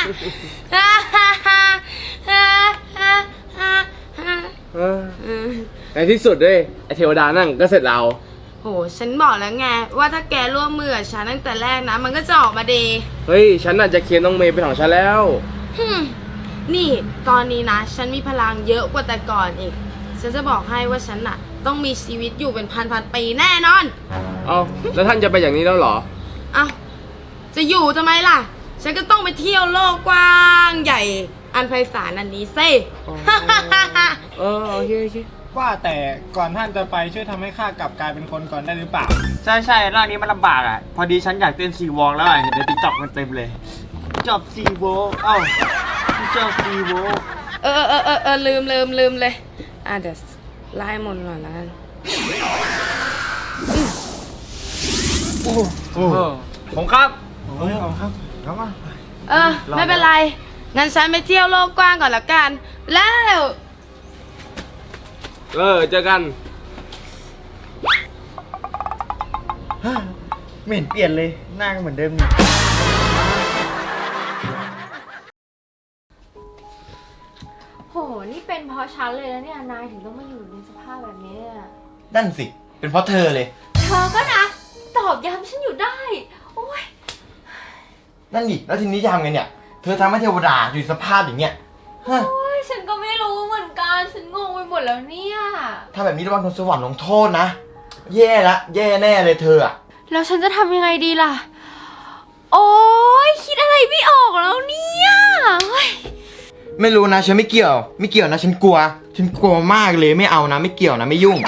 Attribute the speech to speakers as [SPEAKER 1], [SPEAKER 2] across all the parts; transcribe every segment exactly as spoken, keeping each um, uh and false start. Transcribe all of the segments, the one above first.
[SPEAKER 1] ในที่สุดด้วยไอเทวดานั่งก็เสร็จเรา
[SPEAKER 2] โหฉันบอกแล้วไงว่าถ้าแกร่วมมือกับฉันตั้งแต่แรกนะมันก็จะออกมาดี
[SPEAKER 1] เฮ้ยฉันน่าจะเคียนน้องเมย์เป็นของฉันแล้ว
[SPEAKER 2] นี่ตอนนี้นะฉันมีพลังเยอะกว่าแต่ก่อนอีกฉันจะบอกให้ว่าฉันน่ะต้องมีชีวิตอยู่เป็นพันพันปีแน่นอน
[SPEAKER 1] เอาแล้วท่านจะไปอย่างนี้แล้วเหรอ
[SPEAKER 2] เอาจะอยู่ทำไมล่ะฉันก็ต้องไปเที่ยวโลกกว้างใหญ่อันไพศาลอันนี้สิ
[SPEAKER 1] เออโอเคโอเค
[SPEAKER 3] ว่าแต่ก่อนท่านจะไปช่วยทำให้ข้ากลับกลายเป็นคนก่อนได้หรือเปล่า
[SPEAKER 4] ใช่ใช่ร่างนี้มันลำบากอ่ะพอดีฉันอยากเต้นซีวอล์กแล้วอ่ะเห็นในติ๊กต็อกมันเต็มเลยจอบซีวอล์กเอ้าจอบซีวอล์ก
[SPEAKER 2] เออเออเออเออลืมลืมลืมเลยอ่ะเดี๋ยวไล่มนต์ก่อนละกัน
[SPEAKER 4] โอ้โหผมครับ
[SPEAKER 3] โอ้ยขอบครับครับมา
[SPEAKER 2] เออไม่เป็นไรงั้นฉันไปเที่ยวโลกกว้างก่อนละกันแล้ว
[SPEAKER 1] เออเจอกัน
[SPEAKER 4] ไม่เห็นเปลี่ยนเลยหน้าก็เหมือนเดิมนี่
[SPEAKER 5] โหนี่เป็นเพราะฉันเลยแล้วเนี่ยนายถึงต้องมาอยู่ในสภาพแบบนี้
[SPEAKER 4] นั่นสิเป็นเพราะเธอเลย
[SPEAKER 5] เธอก็นะตอบย้ำฉันอยู่ได้โอ้ย
[SPEAKER 4] นั่นดิแล้วทีนี้จะทำไงเนี่ยเธอทำให้เทวดาอยู่สภาพอย่างเงี้ย
[SPEAKER 5] โอ้ยฉันก็ไม่รู้เหมือนกันฉันงงไปหมดแล้วเนี่ย
[SPEAKER 4] ถ้าแบบนี้ระวังโดนสวรรค์ลงโทษนะแย่ละแย่แน่เลยเธออะ
[SPEAKER 5] แล้วฉันจะทำยังไงดีล่ะโอ้ยคิดอะไรไม่ออกแล้วเนี่ย
[SPEAKER 4] ไม่รู้นะฉันไม่เกี่ยวไม่เกี่ยวนะฉันกลัวฉันกลัวมากเลยไม่เอานะไม่เกี่ยวนะไม่ยุ่ง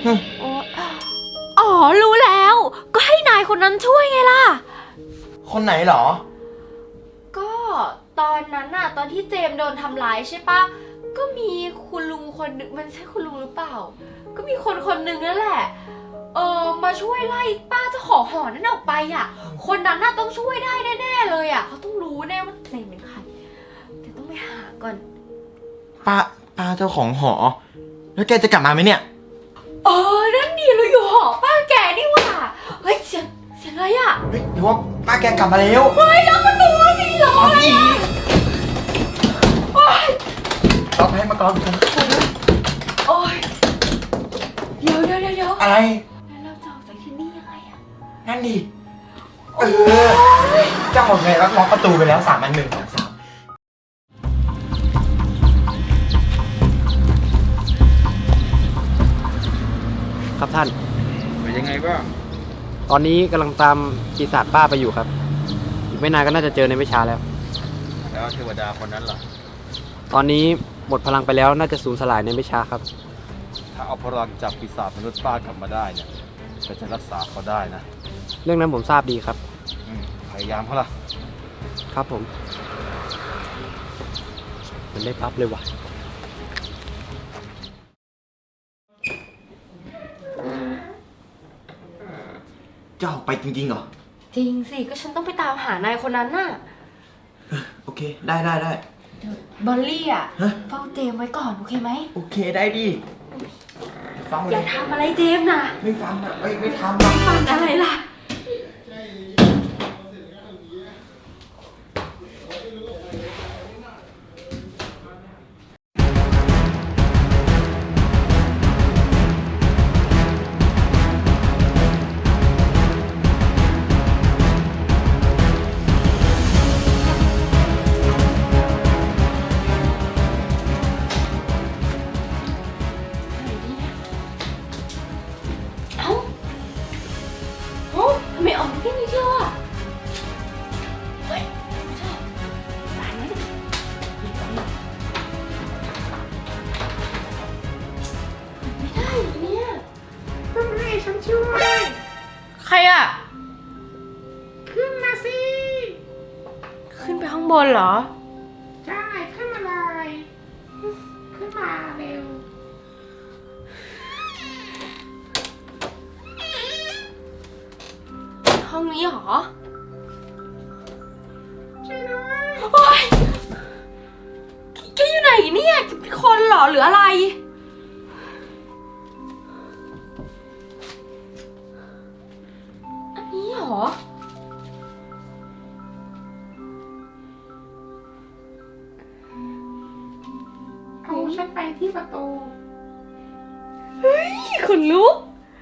[SPEAKER 5] อ๋อรู้แล้วก็ให้นายคนนั้นช่วยไงล่ะ
[SPEAKER 4] คนไหนหรอ
[SPEAKER 5] ก็ตอนนั้นน่ะตอนที่เจมโดนทำร้ายใช่ปะก็มีคุณลุงคนนึงมันใช่คุณลุงหรือเปล่าก็มีคนคนนึงนั่นแหละเออมาช่วยไล่ป้าเจ้าของหอนั่นออกไปอ่ะคนนั้นน่ะต้องช่วยได้แน่ๆเลยอ่ะเขาต้องรู้แน่ว่าเจมเป็นใครแต่ต้องไปหาก่อน
[SPEAKER 4] ป้าป้าเจ้าของหอแล้วแกจะกลับมาไหมเนี่ย
[SPEAKER 5] เออนั่นดีเราอยู่หอป้าแกนี่หว่าเฮ้ยเสียงเสียงอะไรอ่ะ
[SPEAKER 4] เฮ้ยเดี๋ยวว่าป้าแกกลับมาแล้ว
[SPEAKER 5] เฮ้ยแล้วประตูสิเหรอ
[SPEAKER 4] นี่เราให้มาก่อนกัน
[SPEAKER 5] โอ้ยเดี๋ยวเดี๋ยวเดี๋ยว
[SPEAKER 4] อะไร
[SPEAKER 5] แล้วเราจะออกจากที่นี่ยังไงอ่ะ
[SPEAKER 4] นั่นดิเออเจ้าของไงล็อกประตูไปแล้วสามอันหนึ่งสองสาม
[SPEAKER 1] ครับท่าน
[SPEAKER 3] เป็นยังไงบ้าง
[SPEAKER 1] ตอนนี้กำลังตามปีศาจป้าไปอยู่ครับอีกไม่นานก็น่าจะเจอในไม่ช้าแล้ว
[SPEAKER 3] แล้วเทวดาคนนั้นล่ะ
[SPEAKER 1] ตอนนี้หมดพลังไปแล้วน่าจะสูญสลายในไม่ช้าครับ
[SPEAKER 3] ถ้าเอาพลังจากปีศาจมนุษย์ป้ากลับมาได้เนี่ยก็จะรักษาเขาได้นะ
[SPEAKER 1] เรื่องนั้นผมทราบดีครับ
[SPEAKER 3] พยายามเขาล่ะ
[SPEAKER 1] ครับผมมันได้ปั๊บเลยว่ะ
[SPEAKER 4] เจ้าไปจริงๆเหรอ
[SPEAKER 5] จริงสิก็ฉันต้องไปตามหานายคนนั้นน่ะ
[SPEAKER 4] โอเคได้ได้ได้
[SPEAKER 5] บอลลี่อ่ะเฝ้าเจมไว้ก่อนโอเคไหม
[SPEAKER 4] โอเคได้ดิ
[SPEAKER 5] อย่าทำอะไรเจมนะ
[SPEAKER 4] ไม่ฟังนะไม่ไม่ทำ
[SPEAKER 5] ไม่ฟังอะไรล่ะไม่ออกแค่นี้เดียวอ่ะเฮ้ยไม่ชอบตายแล้วไม่ได้เนี่ย
[SPEAKER 2] ต้องให้ฉันช่วยใครอ่ะขึ้นมาสิขึ้นไปข้างบนเหรอใช่ขึ้นมาเลยขึ้นมาเร็วห้องนี้เหรอช่วยด้วยโอ๊ยแกอยู่ไหนเนี่ยแกเป็นคนเหรอหรืออะไรอันนี้เหรอฉันไปที่ประตู
[SPEAKER 5] ขนลุก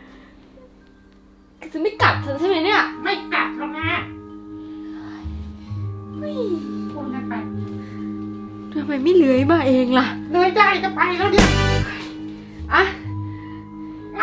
[SPEAKER 5] จะไม่กัดฉันใช่ไหมเนี่ย
[SPEAKER 2] ไม่กัดหรอกนะ
[SPEAKER 5] เฮ้ย
[SPEAKER 2] พูดกันไป
[SPEAKER 5] ทำไมไม่เลื้อยมาเองล่ะ
[SPEAKER 2] เลยได้ก็ไปแล้วเนี่ย
[SPEAKER 5] อ่ะ
[SPEAKER 2] ไล่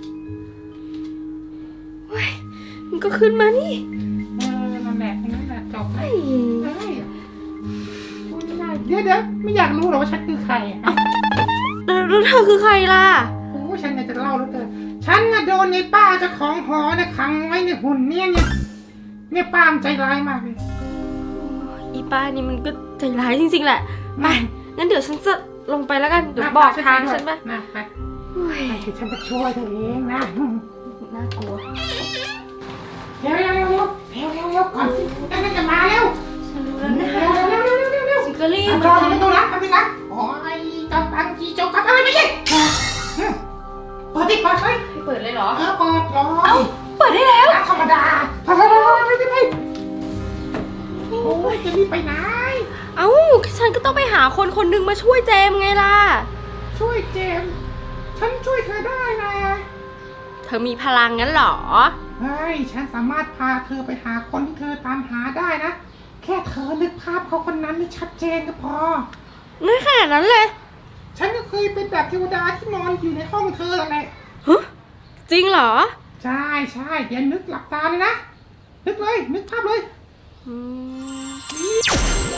[SPEAKER 5] เฮ้ยมันก็ขึ้นมานี่
[SPEAKER 2] เออนั่นแหละนั่นแหละจบเล
[SPEAKER 5] เฮ้
[SPEAKER 2] ย
[SPEAKER 5] ย
[SPEAKER 2] เฮ้ยพูดไม่ได้เดี๋ยวเดี๋ยวไม่อยากรู้หรอกว่าฉันคือใครอ่ะ
[SPEAKER 5] แล้วเธอคือใครล่ะ
[SPEAKER 2] โอ้ฉันเนี่ยจะเล่าแล้วเกินฉันน่ะโดนในป้าเจ้าของหอเนี่ยขังไว้ในหุ่นเนี่ยเนี่ยเนี่ยป้ามนใจร้ายมากเลย
[SPEAKER 5] อีป้านี่มันก็ใจร้ายจริงๆแหละ ไป
[SPEAKER 2] อืม
[SPEAKER 5] งั้นเดี๋ยวฉันจะลงไปแล้วกัน เดี๋ยวบอกทางฉันไป
[SPEAKER 2] นะไป
[SPEAKER 5] เฮ้ย
[SPEAKER 2] ไปเดี๋ยวฉันจะช่วยเธอเองนะ
[SPEAKER 5] น่ากลัว
[SPEAKER 2] เร็วเร็วเร็วเร็วเร็วเร็วเร็วก่อนที่นั่นจะมาเร็ว
[SPEAKER 5] ฉันรู้แล้วนะ
[SPEAKER 2] เร็วเร็วเร็วเร็วเร็วเร็ว
[SPEAKER 5] ฉันก็รีบ
[SPEAKER 2] รอในประตูนะไปนะโอ้ยกำลังจีโจกครับอะไรไม่ใช่เปิดดิเปิดเลย
[SPEAKER 5] ให้เปิดเลยเหรอ
[SPEAKER 2] เออเปิดรอ
[SPEAKER 5] เอ้า เปิดได้แล้ว
[SPEAKER 2] ธรรมดาไปไปไปไปไปไปโอ้ยจะรีบไปไหน
[SPEAKER 5] เอ้า ฉันก็ต้องไปหาคนคนหนึ่งมาช่วยเจมส์ไงล่ะ
[SPEAKER 2] ช่วยเจมส์ฉันช่วยเธอได้นะ
[SPEAKER 5] เธอมีพลังงั้นเหรอ
[SPEAKER 2] เฮ้ยฉันสามารถพาเธอไปหาคนที่เธอตามหาได้นะ แค่เธอนึกภาพเขาคนนั้นให้ชัดเจนก็พอ
[SPEAKER 5] ไม่ขนาดนั้นเลย
[SPEAKER 2] ฉันก็เคยเป็นแบบเทวดาที่นอนอยู่ในห้องเธอแหละ
[SPEAKER 5] ฮะ จริงเหรอ
[SPEAKER 2] ใช่ใช่เดี๋ยวนึกหลับตาเลยนะ นึกเลย นึกภาพเลย
[SPEAKER 5] อืม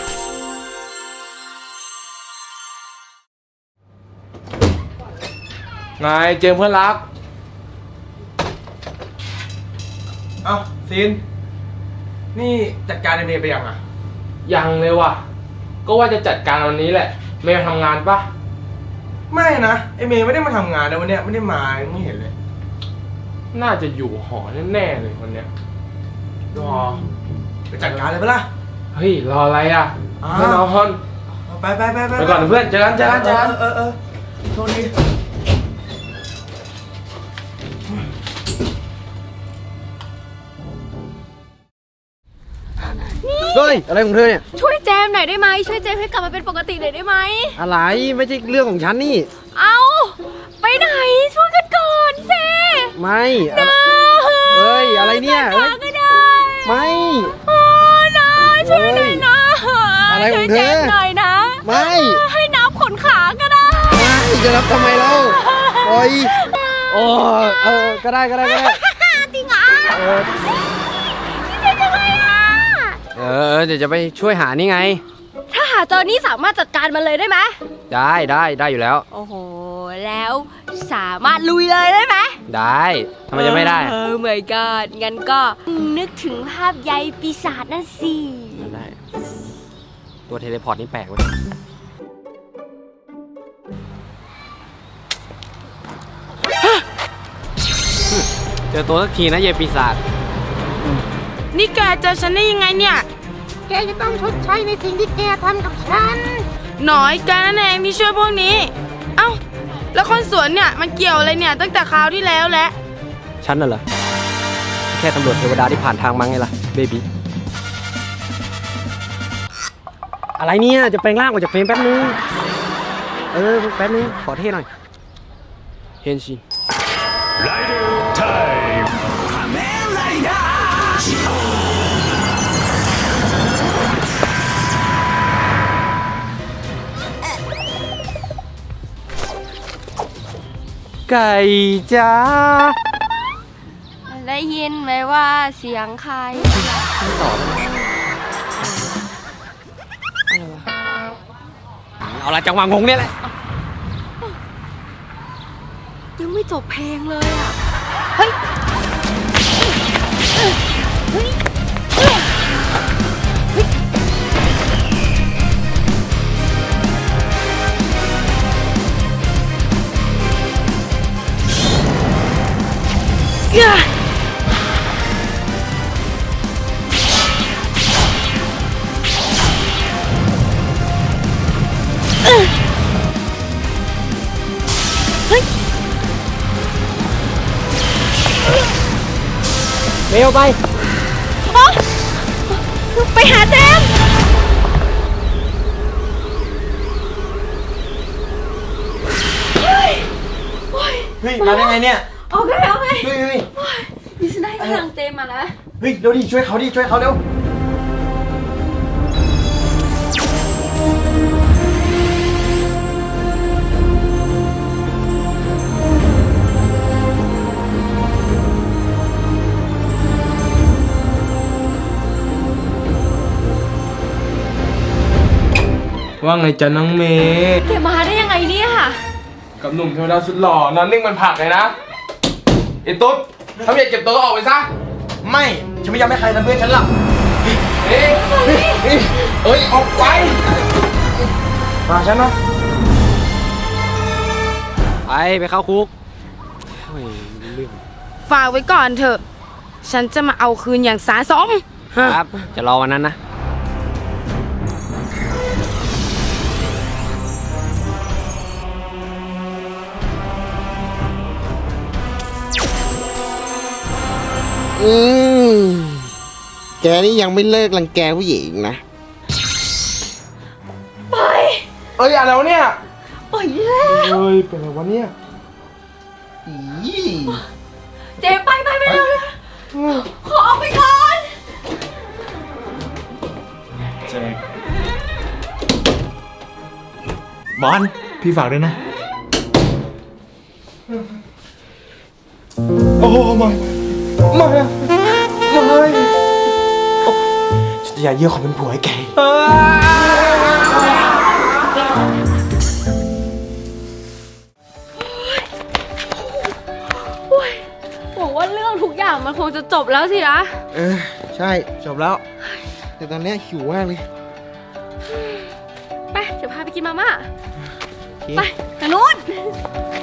[SPEAKER 3] ไงเจมส์เพื่อนรัก เอ้าซิน นี่จัดการไอเมย์ไปยังอ่ะ
[SPEAKER 6] ยังเลยว่ะ ก็ว่าจะจัดการวันนี้แหละ ไม่มาทำงานปะ
[SPEAKER 3] ไม่นะไอเมย์ไม่ได้มาทำงานนะวันเนี้ยไม่ได้มาไม่เห็นเลย
[SPEAKER 6] น่าจะอยู่หอแน่ๆเลยคนเนี้ย
[SPEAKER 3] รอไปจัดการเลยปะล่ะ
[SPEAKER 6] เฮ้ย รออะไรอ่ะ
[SPEAKER 3] อ้าว
[SPEAKER 6] เพื่อนนอน
[SPEAKER 3] ไปไปไปไป
[SPEAKER 6] ไปก่อนนะเพื่อนเจอกันเจอกันเจอกัน
[SPEAKER 3] เออเออโทษที
[SPEAKER 1] เฮ้ย อะไรของเธอเนี่ย
[SPEAKER 5] ช่วยเจมส์หน่อยได้ไหม ช่วยเจมส์ให้กลับมาเป็นปกติหน่อยได้ไหม
[SPEAKER 1] อะไร ไม่ใช่เรื่องของฉันนี่
[SPEAKER 5] เอาไปไหน ช่วยกันก่อนสิ
[SPEAKER 1] ไม่อะเฮ้ย อะไรเนี่ยเฮ้ย
[SPEAKER 5] ก็ได้
[SPEAKER 1] ไม่
[SPEAKER 5] โอ้นะช่วยหน่อยนะ
[SPEAKER 1] อะไรของเธอ
[SPEAKER 5] ช่วยจมส์หน่อยนะ
[SPEAKER 1] ไม่
[SPEAKER 5] ให้นับขนขาก็ได้
[SPEAKER 1] ไม่จะรับทำไมเล่าโอ้ยโอ้เออ ก็ได้ก็ได้ก็ได้
[SPEAKER 5] จริงเหรอ
[SPEAKER 1] เออ
[SPEAKER 5] เจ๊จังเลยอ่ะ
[SPEAKER 1] เออ เดี๋ยวจะไปช่วยหานี่ไง
[SPEAKER 5] ถ้าหาเจอนี่สามารถจัดการมันเลยได้ไหม
[SPEAKER 1] ได้ได้ได้อยู่แล้ว
[SPEAKER 5] โอ้โห แล้วสามารถลุยเลยได้ไหม
[SPEAKER 1] ได้ทำไมจะไม่ได้
[SPEAKER 5] เออเหมือนกันงั้นก็นึกถึงภาพใยปีศาจนั่นสิ
[SPEAKER 1] ได้ ตัวเทเลพอร์ตนี่แปลกเว้ยเจอตัวสักทีนะเยปีศาจ
[SPEAKER 2] นี่แกเจอฉันได้ยังไงเนี่ย แกจะต้องชดใช้ในสิ่งที่แกทำกับฉัน
[SPEAKER 7] หน่อยแกนั่นเองที่ช่วยพวกนี้ เอ้า แล้วคนสวนเนี่ยมันเกี่ยวอะไรเนี่ยตั้งแต่คราวที่แล้วแหละ
[SPEAKER 1] ฉันน่ะเหรอ แค่ตำรวจเทวดาที่ผ่านทางมาไงล่ะ เบบี้ อะไรเนี่ย จะแปลงร่างออกจากเฟรมแป๊บนึง เออ แป๊บนึง ขอเท่หน่อย เฮนชิน ไก่จ้า
[SPEAKER 5] ได้ยินไหมว่าเสียงใคร
[SPEAKER 1] เอาละจังหวะงงเนี่ยแหละ
[SPEAKER 5] ยังไม่จบเพลงเลยอ่ะ เฮ้ย เฮ้ย เฮ้ย
[SPEAKER 1] เร็วไป
[SPEAKER 5] ไปหาเจมส์
[SPEAKER 4] เฮ้ย มาได้ไงเนี่ย
[SPEAKER 5] โอเคโอเค
[SPEAKER 4] เฮ้ยเฮ้ย
[SPEAKER 5] ดิฉันได้ทางเจมมาแล้ว
[SPEAKER 4] เฮ้ย เร็วดิ ช่วยเขาดิ ช่วยเขาเร็ว
[SPEAKER 6] ว่าไงจ๊ะน้องเมย์
[SPEAKER 5] แกมาได้ยังไงเนี่ย
[SPEAKER 6] กับหนุ่มเทวดาสุดหล่อนอนนิ่งมันผักเลยนะไอ้ตุ๊ดถ้าไม่อยากเก็บตัวก็ออกไปซะ
[SPEAKER 4] ไม่ ฉันไม่ยอมให้ใครทำเพื่อนฉันหรอก
[SPEAKER 6] เอ้ยเอ้ยเอ้ยเอ้ยออกไปมาฉันนะ
[SPEAKER 1] ไปไปเข้าคุกโอ้ยเรื่อง
[SPEAKER 7] ฝากไว้ก่อนเถอะ ฉันจะมาเอาคืนอย่างสาสม
[SPEAKER 1] ครับ จะรอวันนั้นนะ
[SPEAKER 8] อืมแกนี่ยังไม่เลิกรังแกผู้หญิงนะ
[SPEAKER 6] เอ้ยอะไรวะเนี่ย
[SPEAKER 5] ปล่อยแล้ว
[SPEAKER 6] เฮ้ยเป็นอะไรวะเนี่ย
[SPEAKER 5] เจมไปไปไปเร็วเลยขอออกไปก่อน
[SPEAKER 4] เจคบอล พี่ฝากด้วยนะ โอ้ไม่ไม่ไม่ฉันจะอย่าเยี่ยขอเป็นผัวให้แก
[SPEAKER 5] หวังว่าเรื่องทุกอย่างมันคงจะจบแล้วสินะ
[SPEAKER 8] เออ ใช่ จบแล้ว แต่ตอนเนี้ยหิวมากเลย
[SPEAKER 5] ไป เดี๋ยวพาไปกินมาม่า
[SPEAKER 8] โอเค
[SPEAKER 5] ไปทางนู้น